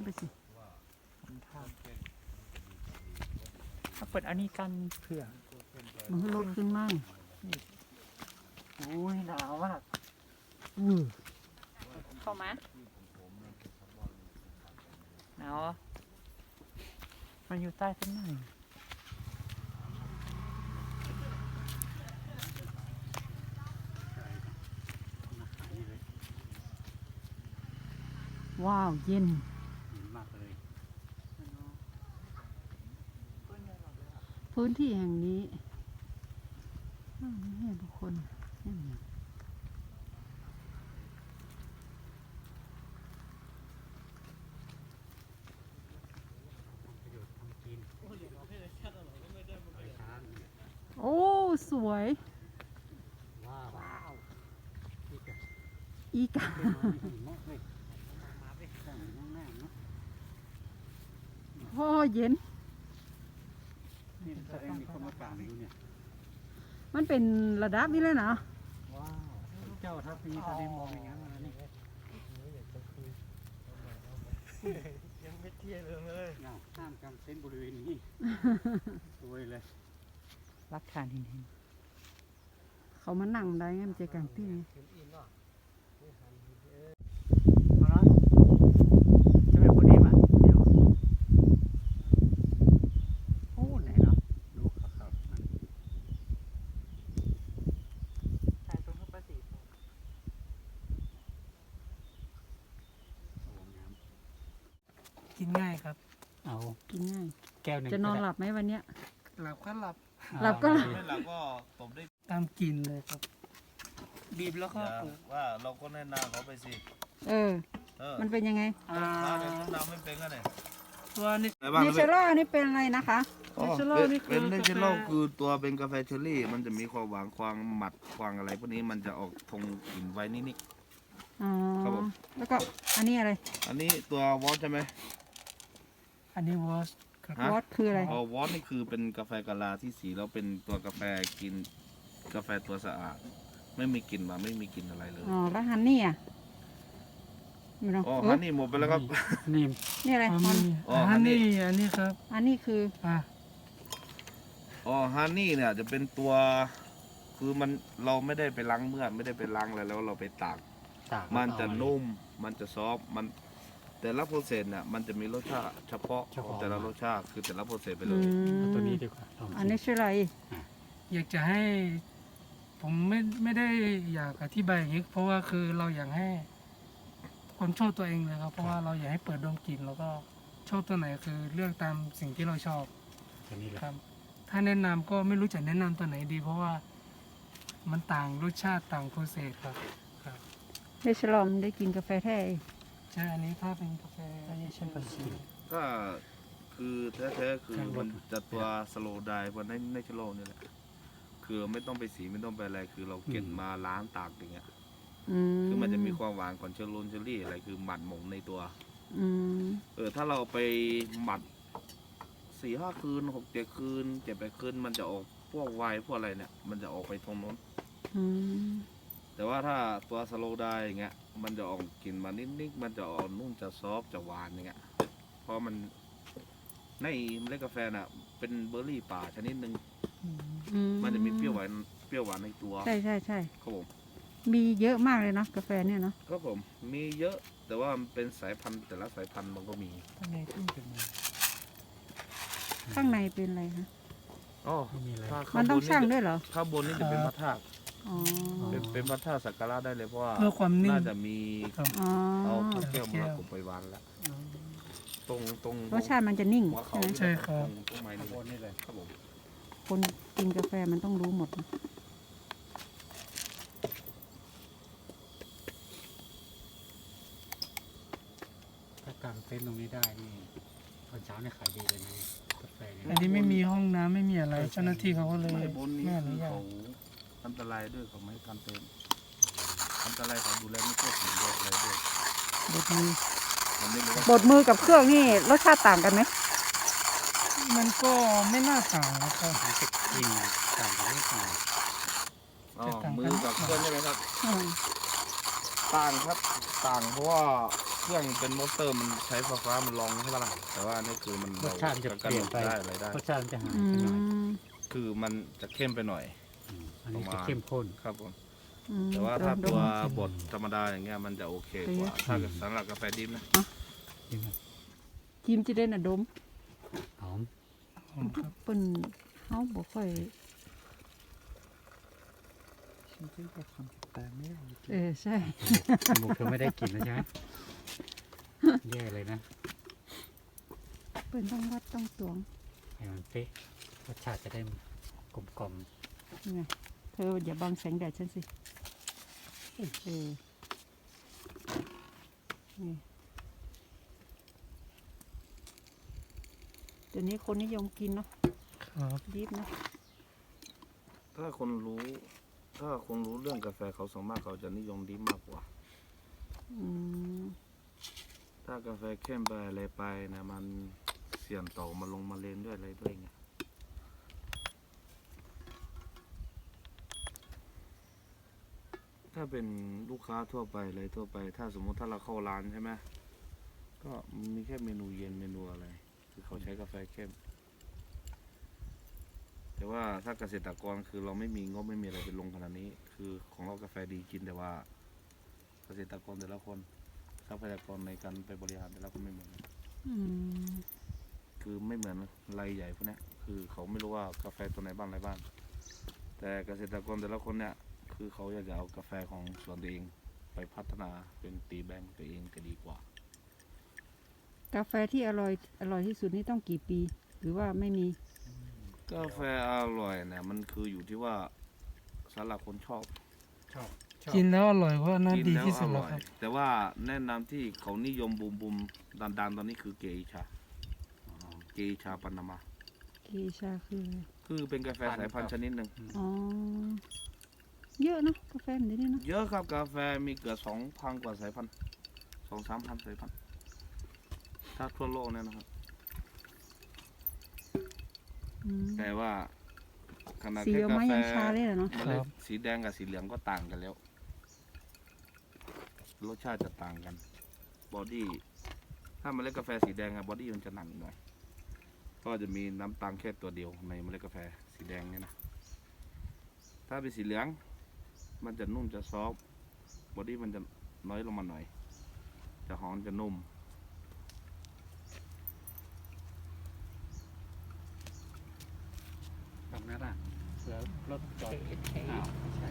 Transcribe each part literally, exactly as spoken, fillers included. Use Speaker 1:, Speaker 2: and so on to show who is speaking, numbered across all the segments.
Speaker 1: ไปสิถ้าเปิดอันนี้กันเผื่อ
Speaker 2: มันลดขึ้นมั่ง
Speaker 1: โอ้ยหนาวมาก
Speaker 2: อือ
Speaker 1: เข้ามาหนาวมันอยู่ใต้ต้นไม้
Speaker 2: ว้าวเย็น
Speaker 3: มากเลย
Speaker 2: พื้นที่แห่งนี้ไม่ให้บุคคลโอ้สวยว้าวอีกาพ่อเย็น
Speaker 3: นี่แสดงมีคนมากางอยู่เนี่ย
Speaker 2: มันเป็นระดับนี้เลยนะ
Speaker 3: ว้าวเจ้าทัพพีทะเลมองอย่างนั้นมานี่ยังไม่เที่ยงเลยห้ามกางเต็นท์บริเวณนี้สวยเลย
Speaker 1: รักฐานเห็นเห็น
Speaker 2: เขามานั่งได้ไงมันจะกางที่นี่
Speaker 1: เอาละจะเป็นคนนี้ป่ะเดี๋ยวโอ้ไหนเนาะ
Speaker 3: ดูครับครับ
Speaker 1: ถ่ายตรงเข้าไปสิกินง่ายครับ
Speaker 3: เอา
Speaker 2: กินง่าย
Speaker 3: แก้วหนึ่ง
Speaker 2: จะนอนหลับไหมวันเนี้ย
Speaker 1: หลับก็หลับ
Speaker 2: หลับก็หลับ
Speaker 4: ไม่หลับก็ตบได้
Speaker 1: ตามกินเลยครับบีบแล้วก็
Speaker 4: ว่าเราก็แนะนำเขาไปสิ
Speaker 2: เออมันเป็นยังไง
Speaker 4: อ่าแนะนำไม่เป็นกันเลย
Speaker 1: ตัวนี้
Speaker 2: เนเชอรัลนี่เป็นอะไรนะคะ
Speaker 4: เนเชอรัลนี่คือเป็นเนเชอรัลคือตัวเป็นกาแฟเชอร์รี่มันจะมีความหวานความหมัดความอะไรพวกนี้มันจะออกทงกลิ่นไว้นิด
Speaker 2: ๆอ๋อ
Speaker 4: ครับผม
Speaker 2: แล้วก็อันนี้อะไร
Speaker 4: อันนี้ตัววอตใช่ไหม
Speaker 1: อันนี้วอต
Speaker 2: วอตคืออะไร
Speaker 4: อ๋อวอตนี่คือเป็นกาแฟกะลาที่สีแล้วเป็นตัวกาแฟกินกาแฟตัวสะอาดไม่มีกลิ่นมาไม่มีกลิ่นอะไรเลย
Speaker 2: อ๋อแล้วฮันนี่อ่ะ
Speaker 4: อ๋อฮันนี่หมดไปแล้วครับ
Speaker 3: นี่
Speaker 2: นี่อะไร
Speaker 1: อ๋อฮันนี่อันนี้ครับ
Speaker 2: อันนี้คือ
Speaker 1: อ่ะ
Speaker 4: อ๋อฮันนี่เนี่ยจะเป็นตัวคือมันเราไม่ได้ไปล้างเมือกไม่ได้ไปล้างอะไรแล้วเราไปตากมันจะนุ่มมันจะซอฟมันแต่ละโปรเซสเนี่ยมันจะมีรสชาติเฉพาะของแต่ละรสชาติคือแต่ละโปรเซสไปเลย
Speaker 3: ตัวนี้ดีกว่า
Speaker 2: อันนี้ชื่ออะไร
Speaker 1: อยากจะให้ผมไม่ไม่ได้อยากอธิบายอย่างนี้เพราะว่าคือเราอยากให้คนชอบตัวเองเลยครับเพราะว่าเราอยากให้เปิดดมกลิ่นแล้วก็ชอบตัวไหนคือเลือกตามสิ่งที่เราชอบครับถ้าแนะนำก็ไม่รู้จะแนะนำตัวไหนดี เพราะว่ามันต่างรสชาติต่างโปรเซสครับครับ
Speaker 2: เนเชอรัลได้กินกาแฟแท้
Speaker 1: ใช่อันนี้ถ้าเป็นกาแฟเนเชอรัล
Speaker 4: ก็คือแท้ๆคือมันจะตัวสโลว์ไดร์บนในในชโลนี่แหละคือไม่ต้องไปสีไม่ต้องไปอะไรคือเราเก็บมาล้างตากอย่างเงี้ยคือมันจะมีความหวานของเชอร์โลนเชอรี่อะไรคือหมัดหมงในตัวเออถ้าเราไปหมัดสี่ห้าคืนหกเจ็ดคืนเจ็ดแปดคืนมันจะออกพวกไวน์พวกอะไรเนี่ยมันจะออกไปตรงโน้นแต่ว่าถ้าตัวสโลว์ไดร์อย่างเงี้ยมันจะออกกลิ่นมานิดๆมันจะออกนุ่มจะซอฟจะหวานอย่างเงี้ยเพราะมันในเมล็ดกาแฟน่ะเป็นเบอร์รี่ป่าชนิดหนึ่งมันจะมีเปรี้ยวหวานเปรี้ยวหวานในตัว
Speaker 2: ใช่ใช่ใช่
Speaker 4: ครับผม
Speaker 2: มีเยอะมากเลยเนาะกาแฟเนี่ยเนาะ
Speaker 4: ครับผมมีเยอะแต่ว่ามันเป็นสายพันธุ์แต่ละสายพันธุ์มันก็มี
Speaker 1: ข้างในขึ้นเป็น
Speaker 2: ข้างในเป็นอะไรคะ
Speaker 4: อ๋อ
Speaker 2: มันต้องช่างด้วยเหรอ
Speaker 4: ข้างบนนี่จะเป็นพระธาตุ
Speaker 2: อ๋อ
Speaker 4: เป็นเป็นพระธาตุสักการะได้เลยเพราะว่า
Speaker 1: เพื่อความนิ่ง
Speaker 4: น่าจะมี
Speaker 2: อ๋อ
Speaker 4: เอาพระแก้วมรกตไปวางแล้วตรงตรง
Speaker 2: รสชาติมันจะนิ่ง
Speaker 4: หัวเขา
Speaker 1: ใช่ครับ
Speaker 4: ตรงไม้นี่เลยครับผม
Speaker 2: คนกินกาแฟมันต้องรู้หมด
Speaker 3: ถ้ากางเต็นท์ตรงนี้ได้นี่ตอนเช้าเนี่ยขายดีเลยนะกาแฟเนี่ย
Speaker 1: อันนี้ไม่มีห้องน้ำไม่มีอะไรเจ้าหน้าที่เขาก็เลย
Speaker 4: ไม่อนุญาตอันตรายด้วยเขาไม่ทำเต็นท์อันตรายเขาดูแลไม่ทั่วถึงด้วยอะไรด้วย
Speaker 2: บดมือ บดมือกับเครื่องนี่รสชาติต่างกันไหม
Speaker 1: มันก็ไม่น่าต่างนะครับ
Speaker 3: กินต่างกันไม่ต่าง
Speaker 4: อ๋อมือกับเครื่องใช่ไหมครับต่างครับต่างเพราะว่าเครื่องเป็นมอเตอร์มันใช้ไฟฟ้ามันลองใช่ปะล่ะแต่ว่านี่คือมัน
Speaker 3: รสชาติมันจะ
Speaker 4: ก
Speaker 3: เปลี่ยนไป
Speaker 4: ได้อะไรได้
Speaker 3: รสชาติมันจะหาย
Speaker 2: อื
Speaker 3: ไปหน่อย
Speaker 2: ม
Speaker 4: คือมันจะเข้มไปหน่อย
Speaker 3: อืมอันนี้จะเข้มข้น
Speaker 4: ครับผม
Speaker 2: อืม
Speaker 4: แต่ว่าถ้า
Speaker 2: ด
Speaker 4: ตัว
Speaker 2: ม
Speaker 4: บดธรรมดาอย่างเงี้ยมันจะโอเคกว่า
Speaker 2: เอ๊ะ
Speaker 4: ถ้าสำหรับกาแฟดิบนะ
Speaker 3: จริงไหม
Speaker 2: จิมจะได้น่ะดม
Speaker 3: หอม
Speaker 1: ผมครับ
Speaker 2: เปิ้นเฮาบ่ค่อย
Speaker 3: ฉันคิดว่าคำตาไม่ได้
Speaker 2: เออใช่
Speaker 3: จมูกเธอไม่ได้กลิ่นแล้วใช่ไหมแย่เลยนะ
Speaker 2: เปิ้นต้องวัดต้องตวง
Speaker 3: ให้มันเป๊ะรสชาติจะได้กลมกล่อม
Speaker 2: นี่ไงเธออย่าบังแสงแดดฉันสิเออนี่เดี๋ยวนี้คนนิยมกินเนาะ
Speaker 1: ครับ
Speaker 2: ดิบเนาะ
Speaker 4: ถ้าคนรู้ ถ้าคนรู้เรื่องกาแฟเขาส่วนมากเขาจะนิยมดิบมากกว่า
Speaker 2: อืม
Speaker 4: ถ้ากาแฟเข้มไปอะไรไปนะมันเสี่ยงต่อมาลงมาเลนด้วยอะไรด้วยเงี้ยถ้าเป็นลูกค้าทั่วไปอะไรทั่วไป ถ้าสมมุติถ้าเราเข้าร้านใช่ไหมก็มีแค่เมนูเย็นเมนูอะไร คือเขาใช้กาแฟเข้ม แต่ว่าถ้าเกษตรกรคือเราไม่มีงบไม่มีอะไรไปลงขนาดนี้ คือของเรากาแฟดีกินแต่ว่า เกษตรกรแต่ละคนทรัพยากรในการไปบริหารแต่ละคนไม่เหมือนกัน
Speaker 2: อืม
Speaker 4: คือไม่เหมือนรายใหญ่พวกเนี้ยคือเขาไม่รู้ว่ากาแฟตัวไหนบ้างอะไรบ้าง แต่เกษตรกรแต่ละคนเนี่ย คือเขาอยากจะเอากาแฟของสวนตัวเองไปพัฒนาเป็นตีแบรนด์ตัวเองจะดีกว่า
Speaker 2: กาแฟที่อร่อยอร่อยที่สุดนี่ต้องกี่ปี หรือว่าไม่มี
Speaker 4: กาแฟอร่อยเนี่ยมันคืออยู่ที่ว่าสำหรับคนชอบ
Speaker 3: ชอบชอบ
Speaker 1: กินแล้วอร่อยก็น่า
Speaker 4: กิ
Speaker 1: ดี
Speaker 4: แล้ว
Speaker 1: ที่
Speaker 4: อ
Speaker 1: สุดแล้
Speaker 4: ร่
Speaker 1: ว
Speaker 4: อย
Speaker 1: ครับ
Speaker 4: แต่ว่าแนะนำที่เขานิยมบูมบูมดันดันๆตอนนี้คือเกอิชาเกอิชาปานามา
Speaker 2: เกชาคืออะไร
Speaker 4: คือเป็นกาแฟสายพันธุ์ชนิดหนึ่ง
Speaker 2: อ๋อ เยอะเนอะกาแฟแบบนี้เนาะ
Speaker 4: เยอะครับกาแฟมีเกือบสองพันกว่าสายพันธุ์สองสามพันสายพันธุ์ถ้าทั่วโลกเนี่ยนะครับ
Speaker 2: อืม
Speaker 4: แต่ว่าขนาด
Speaker 2: สี
Speaker 4: แค่
Speaker 2: ออก
Speaker 4: กา
Speaker 2: มา
Speaker 4: แฟ
Speaker 2: ยังชาเลยเหรอเนาะ
Speaker 4: เมล็ดสีแดงกับสีเหลืองก็ต่างกันแล้ว รสชาติจะต่างกัน บอดี้ ถ้าเมล็ดกาแฟสีแดงอะบอดี้มันจะหนักหน่อย ก็จะมีน้ำตาลแค่ตัวเดียวในเมล็ดกาแฟสีแดงเนี่ยนะ ถ้าเป็นสีเหลือง มันจะนุ่มจะซอฟต์บอดี้มันจะน้อยลงมาหน่อย จะหอมจะนุ่ม
Speaker 3: ทำนั่นอ่ะเพื่อลดจอดอ้าวไม่ใช่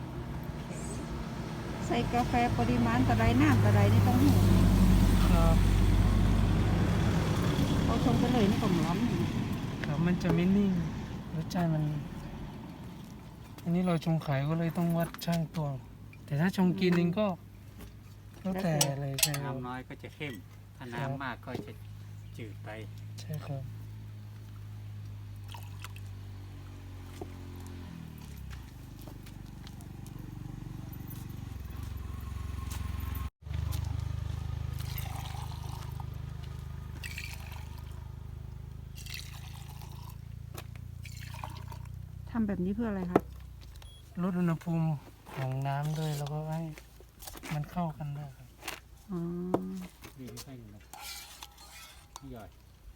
Speaker 2: ใส่กาแฟปริมาณต่อใดน้ำต่อใดนี่ต้องหู
Speaker 1: ครับ
Speaker 2: เขาชงไปเลยนี่ก็ร้อน
Speaker 1: ครับมันจะไม่นิ่งรสชาติมัน อันนี้เราชงขายก็เลยต้องวัดช่างตวง แต่ถ้าชงกินเองก็แล้วแต่เลยใช่ครับ
Speaker 3: น้ำน้อยก็จะเข้ม ถ้าน้ำมากก็จะจืดไป
Speaker 1: ใช่ครับ
Speaker 2: ทำแบบนี้เพื่ออะไรคะ
Speaker 1: ลดอุณหภูมิของน้ำด้วยแล้วก็ให้มันเข้ากันด้วยครับ
Speaker 2: อ๋อ
Speaker 3: ดีไม่ใช่หนึ่งนะนี่ย่อย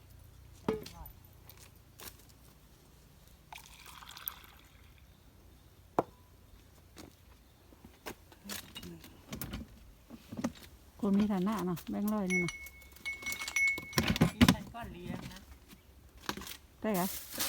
Speaker 2: คนมีฐานะเนาะแบงค์ร้อยนี่เนาะ
Speaker 5: ดิฉันก็เลี้ยงนะ
Speaker 2: ได้เหรอ
Speaker 5: เ